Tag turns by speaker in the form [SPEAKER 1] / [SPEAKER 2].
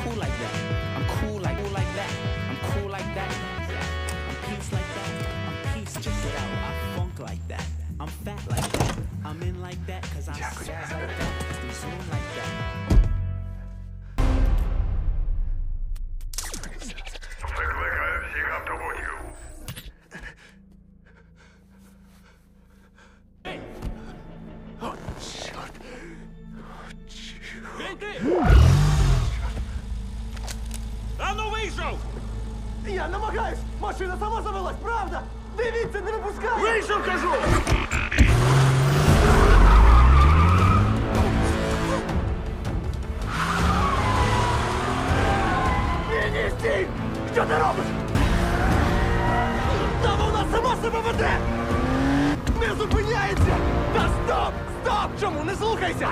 [SPEAKER 1] cool like that. I'm cool like that. I'm cool like that. I'm peace like that. I'm peace. Check it out. I funk like that. I'm fat like that. I'm in like that cause I'm sad like that. I'm zoom like that.
[SPEAKER 2] Викликаю всіх автобусів.
[SPEAKER 3] О, чорт.
[SPEAKER 4] Гей ти! Ану вийшов!
[SPEAKER 3] Я намагаюсь! Машина сама завелась, правда? Дивіться, не випускай!
[SPEAKER 4] Вийшов, кажу!